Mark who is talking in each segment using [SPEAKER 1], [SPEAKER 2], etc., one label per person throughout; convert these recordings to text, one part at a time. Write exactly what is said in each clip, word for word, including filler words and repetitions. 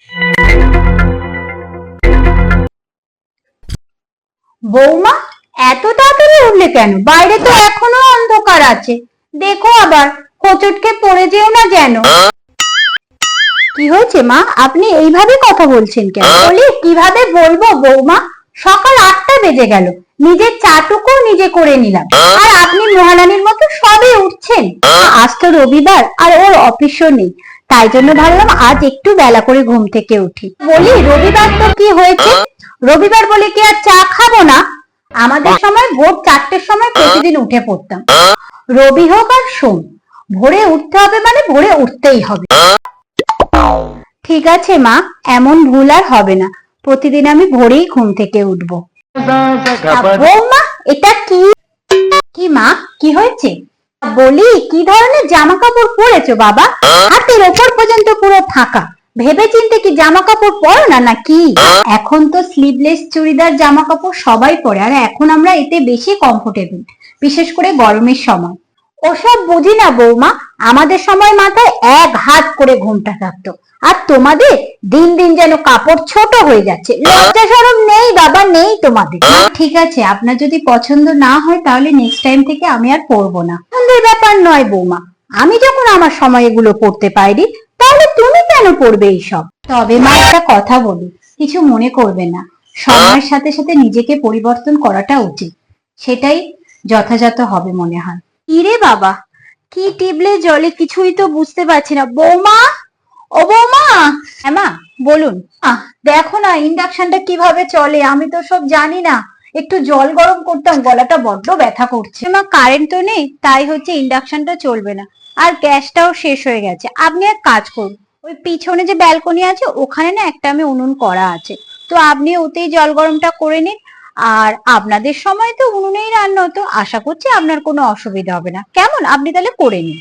[SPEAKER 1] বৌমা, এত তাড়াতাড়ি উঠলে কেন? বাইরে তো এখনো অন্ধকার আছে। দেখো আবার হোঁচট পড়ে যেও না যেন। কি হয়েছে মা, আপনি এইভাবে কথা বলছেন কেন? বলি কিভাবে বলবো বৌমা, সকাল আটটা বেজে গেল, নিজের চাটুকু নিজে করে নিলাম, আর আপনি মহারানীর মতো সবে উঠছেন। আজ তো রবিবার আর ওর অফিসও নেই, তাই জন্য ভাবলাম আজ একটু বেলা করে ঘুম থেকে উঠি। বলি রবিবার তো কি হয়েছে, রবিবার বলে কি আর চা খাবো না? আমাদের সময় ভোর চারটের সময় প্রতিদিন উঠে পড়তাম। রবি হোক আর সোম, ভোরে উঠতে হবে মানে ভোরে উঠতেই হবে। ঠিক আছে মা, এমন ভুল আর হবে না, প্রতিদিন আমি ভোরেই ঘুম থেকে উঠবো। বৌমা, এটা কি? কি মা, কি হয়েছে? বলি কি ধরনের জামা কাপড় পরেছো বাবা? হাতের ওপর পর্যন্ত পুরো ফাঁকা, ভেবে চিন্তে কি জামা কাপড় পরো না নাকি? এখন তো স্লিভলেস চুড়িদার জামা কাপড় সবাই পরে, আর এখন আমরা এতে বেশি কমফোর্টেবল, বিশেষ করে গরমের সময়। ওসব বুঝি না বৌমা, আমাদের সময় মাথায় এক হাত করে ঘুমটা থাকতো, আর তোমাদের দিন দিন যেন কাপড় ছোট হয়ে যাচ্ছে। লজ্জা শরম নেই বাবা, নেই তোমাদের। ঠিক আছে, আপনার যদি পছন্দ না হয় তাহলে নেক্সট টাইম থেকে আমি আর পরবো না। পছন্দের ব্যাপার নয় বৌমা, আমি যখন আমার সময় এগুলো পড়তে পারি, তাহলে তুমি কেন পড়বে এইসব? তবে মা একটা কথা বলি, কিছু মনে করবে না, সময়ের সাথে সাথে নিজেকে পরিবর্তন করাটা উচিত, সেটাই যথাযথ হবে মনে হয়। ইরে বাবা, কি টিবলে জলে কিছুই তো বুঝতে পারছি না। বৌমা, ও বৌমা। হ্যাঁ মা, বলুন। আহ দেখো না ইন্ডাকশনটা কিভাবে চলে, আমি তো সব জানি না, একটু জল গরম করতাম, গলাটা বড্ড ব্যথা করছে। মা কারেন্ট তো নেই, তাই হচ্ছে ইন্ডাকশনটা চলবে না, আর গ্যাসটাও শেষ হয়ে গেছে। আপনি এক কাজ করুন, ওই পিছনে যে ব্যালকনি আছে ওখানে না একটা আমি উনুন করা আছে, তো আপনি ওতেই জল গরমটা করে নিন। আর আপনাদের সময় তো উনুনেই রান্না হতো, আশা করছি আপনার কোনো অসুবিধা হবে না। কেমন, আপনি তাহলে করে নিন।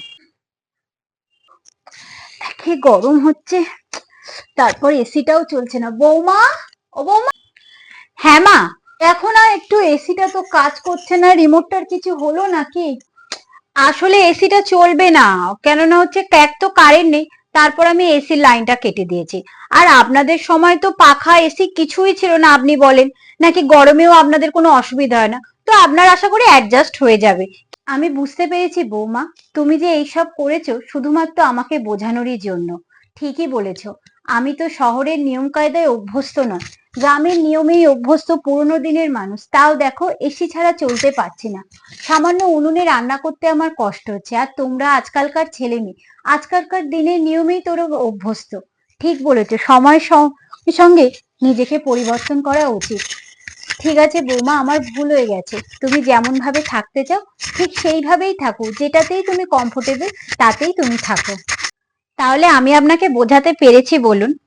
[SPEAKER 1] কি গরম হচ্ছে, তারপর এসিটাও চলছে না। বৌমা, ও বৌমা। হ্যাঁ মা, দেখো না একটু, এসিটা তো কাজ করছে না, রিমোটটার কিছু হলো নাকি? আসলে এসিটা চলবে না, কেননা হচ্ছে এক তো কারেন্ট নেই, তারপর আমি এসির লাইনটা কেটে দিয়েছি। আর আপনাদের সময় তো পাখা এসি কিছুই ছিল না, আপনি বলেন নাকি গরমেও আপনাদের কোনো অসুবিধা হয় না, তো আপনার আশা করি অ্যাডজাস্ট হয়ে যাবে। আমি বুঝতে পেরেছি বৌমা, তুমি যে এইসব করেছো শুধুমাত্র আমাকে বোঝানোরই জন্য। ঠিকই বলেছো, আমি তো শহরের নিয়ম কায়দায় অভ্যস্ত নয়, গ্রামের নিয়মেই অভ্যস্ত পুরোনো দিনের মানুষ। তাও দেখো এসি ছাড়া চলতে পারছি না, সামান্য উনুনে রান্না করতে আমার কষ্ট হচ্ছে। আর তোমরা আজকালকার ছেলে মেয়ে আজকালকার দিনের নিয়মেই তোরা অভ্যস্ত। ঠিক বলেছো, সময়ের সঙ্গে নিজেকে পরিবর্তন করা উচিত। ঠিক আছে বৌমা, আমার ভুল হয়ে গেছে, তুমি যেমন ভাবে থাকতে চাও ঠিক সেইভাবেই থাকো, যেটাতেই তুমি কমফোর্টেবল তাতেই তুমি থাকো। তাহলে আমি আপনাকে বোঝাতে পেরেছি বলুন?